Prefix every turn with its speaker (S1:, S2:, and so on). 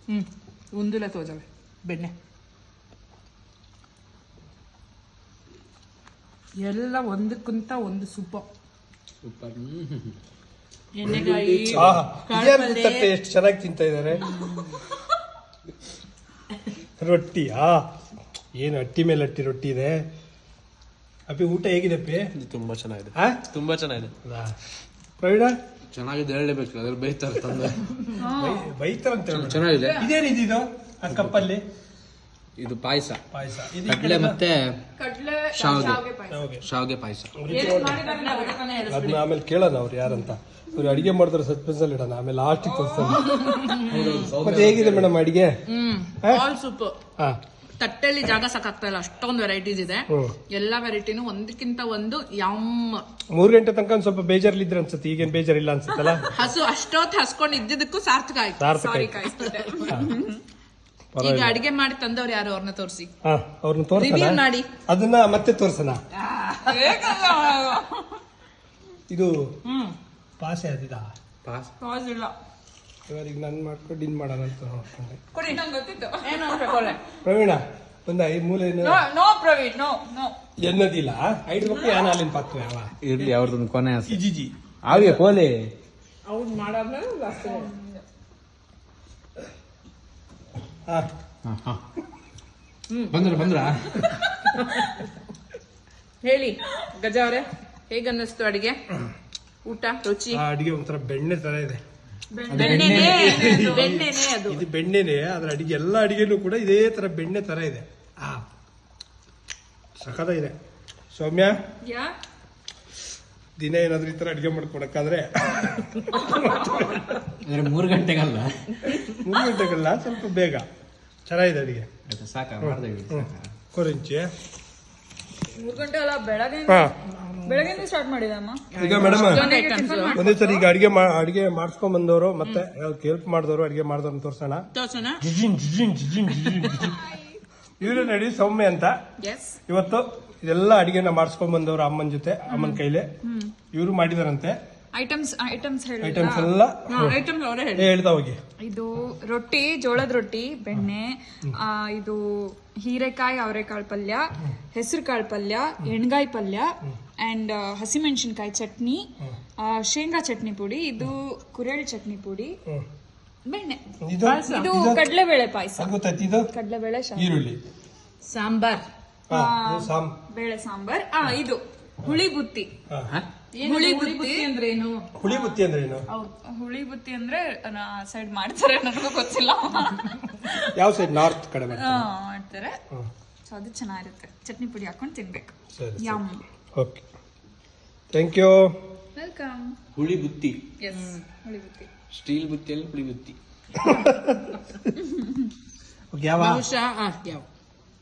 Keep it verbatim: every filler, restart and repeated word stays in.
S1: ಹ್ಮ್ ಒಂದುಲೆ ತೋಜವೆ ಬೆಣ್ಣೆ ಎಲ್ಲ ಒಂದಕ್ಕಿಂತ ಒಂದು ಸೂಪರ್
S2: ಸೂಪರ್.
S1: ಎಣ್ಣೆಗಾಯಿ
S3: ಎಷ್ಟು ಚೆನ್ನಾಗಿ ತಿಂತಾ ಇದಾರೆ. ರೊಟ್ಟಿ ಆ ಏನು ಅಟ್ಟಿ ಮೇಲೆ ಅಟ್ಟಿ ರೊಟ್ಟಿ ಇದೆ. ಅಪ್ಪಿ ಊಟ ಹೇಗಿದೆ ಅಪ್ಪಿ?
S2: ತುಂಬಾ ಚೆನ್ನಾಗಿದೆ,
S3: ಆ
S2: ತುಂಬಾ ಚೆನ್ನಾಗಿದೆ.
S3: ಪ್ರವೀಣ
S2: ಚೆನ್ನಾಗಿದೆ ಹೇಳಲೇಬೇಕು, ಅದ್ರ ಬೈತಾರೆ ತಂದೆ
S3: ಬೈತಾರಂತ
S2: ಚೆನ್ನಾಗಿದೆ.
S3: ಇದೇನಿದು ಆ ಕಪ್ಪಲ್ಲಿ?
S2: ಇದು ಪಾಯಸ,
S3: ಪಾಯಸ
S2: ಕಡ್ಲೆ ಮತ್ತೆ
S1: ಕಡ್ಲೆ
S2: ಶಾವಿಗೆ ಶಾವಿಗೆ ಪಾಯಸ.
S3: ಅದನ್ನ ಆಮೇಲೆ ಕೇಳೋಣ ಅವ್ರು ಯಾರಂತ. ಅವ್ರು ಅಡಿಗೆ ಮಾಡಿದ್ರೆ ಸಸ್ಪೆನ್ಸ್ ಅಲ್ಲಿ ಇಡೋಣ, ಆಮೇಲೆ ಲಾಸ್ಟಿಗೆ ತೋರಿಸೋಣ. ಮತ್ತೆ ಹೇಗಿದೆ ಮೇಡಮ್ ಅಡಿಗೆ?
S1: All super. ತಟ್ಟೆಲಿ ಜಾಗ ಸಾಕಾಗ್ತಾ ಇಲ್ಲ, ಅಷ್ಟೊಂದು ವೆರೈಟೀಸ್ ಇದೆ. ಎಲ್ಲಾ ವೆರೈಟಿನೂ ಒಂದಕ್ಕಿಂತ ಒಂದು ಯಮ್.
S3: ಮೂರ್ ಗಂಟೆ ತನಕ ಒಂದ್ ಸ್ವಲ್ಪ ಬೇಜಾರ್ಲಿದ್ರೆ ಅನ್ಸುತ್ತೆ, ಈಗೇನ್ ಬೇಜಾರಿಲ್ಲ ಅನ್ಸುತ್ತಲ್ಲ?
S1: ಹಸು ಅಷ್ಟೊತ್ತು ಹಸ್ಕೊಂಡು ಇದ್ದಿದ್ದಕ್ಕೂ ಸಾರ್ಥಕ ಆಯ್ತು. ಸಾರಿ ಕಾಯಿಸ್ತಾರೆ. ಈಗ ಅಡಿಗೆ ಮಾಡಿ ತಂದವ್ರು ಯಾರು ಅವ್ರನ್ನ ತೋರಿಸಿ,
S3: ಅವ್ರನ್ನ ತೋರಿಸಿ
S1: ಮಾಡಿ
S3: ಅದನ್ನ ಮತ್ತೆ ತೋರ್ಸೋಣ. ಇದು ಪಾಸೆ ಅದಿದ
S1: ಪಾಸ್ ಇಲ್ಲ.
S3: ಇವಾಗ ಈಗ ನಾನು ಮಾಡ್ಕೊಂಡು ಇನ್ ಮಾಡೋಣ ಅಂತ ನೋಡ್ಕೊಂಡೆ.
S1: ಏನು
S3: ಪ್ರವೀಣ ಒಂದ ಈ ಮೂಲೆ
S1: ನೋ ಪ್ರವೀಣ್ ನೋ ನೋ
S3: ಎನ್ನದಿಲ್ಲ ಐದು ರೂಪಾಯಿ ಯಾನ ಅಲ್ಲಿನ ಪತ್ತು ಯಾವ
S2: ಇರ್ಲಿ ಅವ್ರದೊಂದು ಕೊನೆ ಆಸೆ.
S3: ಜಿಜಿ
S2: ಹಾಗೆ ಕೋಲಿ
S1: ಅವ್ನು ಮಾಡಾದ್ಮೇಲೆ
S2: ಬಂದ್ರ ಬಂದ್ರ
S1: ಹೇಳಿ ಗಜ ಅವರೇ, ಹೇಗ ಅನ್ನಿಸ್ತು ಅಡಿಗೆ? ಊಟ ರುಚಿ?
S3: ಅಡಿಗೆ ಒಂಥರ ಬೆಣ್ಣೆ ತರ ಇದೆ.
S1: ಬೆಣ್ಣೆನೇ ಅದು.
S3: ಇದು ಬೆಣ್ಣೆನೆ, ಅದ್ರ ಅಡಿಗೆ ಎಲ್ಲ ಅಡಿಗೆನೂ ಕೂಡ ಇದೇ ತರ ಬೆಣ್ಣೆ ತರ ಇದೆ. ಆ ಸಖತ ಇದೆ. ಸೌಮ್ಯ ದಿನ ಏನಾದ್ರೂ ಈ ತರ ಅಡಿಗೆ ಮಾಡ್ಕೊಡಕ್ಕಾದ್ರೆ
S2: ಮೂರು ಗಂಟೆಗಲ್ಲ
S3: ಮೂರು ಗಂಟೆಗಲ್ಲ ಸ್ವಲ್ಪ ಬೇಗ ಚೆನ್ನಾಗಿದೆ ಅಡಿಗೆ.
S2: ಸಾಕ
S3: ಕೊರಿಂಚಿ
S1: ಮೂರು ಗಂಟೆ ಅಲ್ಲ, ಬೆಳಗ್ಗೆ ಬೆಳಗ್ಗೆ ಸ್ಟಾರ್ಟ್ ಮಾಡಿದಮ್ಮ.
S3: ಈಗ ಮೇಡಮ್ ಒಂದೇ ಸರಿ ಈಗ ಅಡಿಗೆ ಅಡಿಗೆ ಮಾಡಿಸ್ಕೊಂಡ್ ಬಂದವರು ಮತ್ತೆ ಹೆಲ್ಪ್ ಮಾಡಿದವರು ಅಡಿಗೆ ಮಾಡಿದವ್ರನ್ನ ತೋರ್ಸೋಣ. ಜಿಜಿನ್ ಜಿಜಿನ್ ಜಿಜಿನ್ ಜಿಜಿನ್ ಇವ್ರು ನಡಿ ಸೌಮ್ಯ ಅಂತ. ಇವತ್ತು ಇದೆಲ್ಲ ಅಡಿಗೆನ ಮಾಡಿಸ್ಕೊಂಡ್ ಬಂದವರು ಅಮ್ಮನ ಜೊತೆ, ಅಮ್ಮನ ಕೈಲಿ ಇವರು ಮಾಡಿದಾರಂತೆ.
S4: ಐಟಮ್ಸ್ ಐಟಮ್ಸ್
S3: ಐಟಮ್ಸ್ ಎಲ್ಲ ಹೇಳ್ತಾ ಹೋಗಿ.
S4: ಇದು ರೊಟ್ಟಿ, ಜೋಳದ ರೊಟ್ಟಿ, ಬೆಣ್ಣೆ, ಇದು ಹೀರೆಕಾಯಿ ಅವರೆಕಾಳು ಪಲ್ಯ, ಹೆಸರು ಕಾಳು ಪಲ್ಯ, ಎಣ್ಗಾಯಿ ಪಲ್ಯ ಅಂಡ್ ಹಸಿಮೆಣಸಿನ್ಕಾಯಿ ಚಟ್ನಿ, ಶೇಂಗಾ ಚಟ್ನಿ ಪುಡಿ, ಇದು ಕುರೇಳಿ ಚಟ್ನಿ ಪುಡಿ, ಬೆಣ್ಣೆ, ಇದು ಕಡಲೆಬೇಳೆ ಪಾಯಸ, ಕಡಲೆಬೇಳೆ
S3: ಈರುಳ್ಳಿ
S1: ಸಾಂಬಾರ್,
S4: ಬೇಳೆ ಸಾಂಬಾರ್, ಇದು ಹುಳಿ ಬುತ್ತಿ.
S1: ಹುಳಿ ಬುತ್ತಿ ಅಂದ್ರೆ ಏನು?
S3: ಹುಳಿ ಬುತ್ತಿ ಅಂದ್ರೆ ಏನು?
S4: ಹುಳಿ ಬುತ್ತಿ ಅಂದ್ರೆ ಸೈಡ್ ಮಾಡ್ತಾರೆ, ನನಗೂ ಗೊತ್ತಿಲ್ಲ.
S3: ಯಾವ ಸೈಡ್? ನಾರ್ತ್ ಕಡೆ
S4: ಮಾಡ್ತಾರೆ. ಸೊ ಅದು ಚೆನ್ನಾಗಿರುತ್ತೆ, ಚಟ್ನಿ ಪುಡಿ ಹಾಕೊಂಡು ತಿನ್ಬೇಕು. Yum.
S3: Okay, thank you,
S4: welcome.
S2: ಹುಳಿ ಬುತ್ತಿ,
S4: ಎಸ್, ಹುಳಿ ಬುತ್ತಿ.
S2: ಸ್ಟೀಲ್ ಬುತ್ತಿಯಲ್ಲಿ ಹುಳಿ ಬುತ್ತಿ.
S3: ಯಾವ
S1: ಬಹುಶಃ ಯಾವ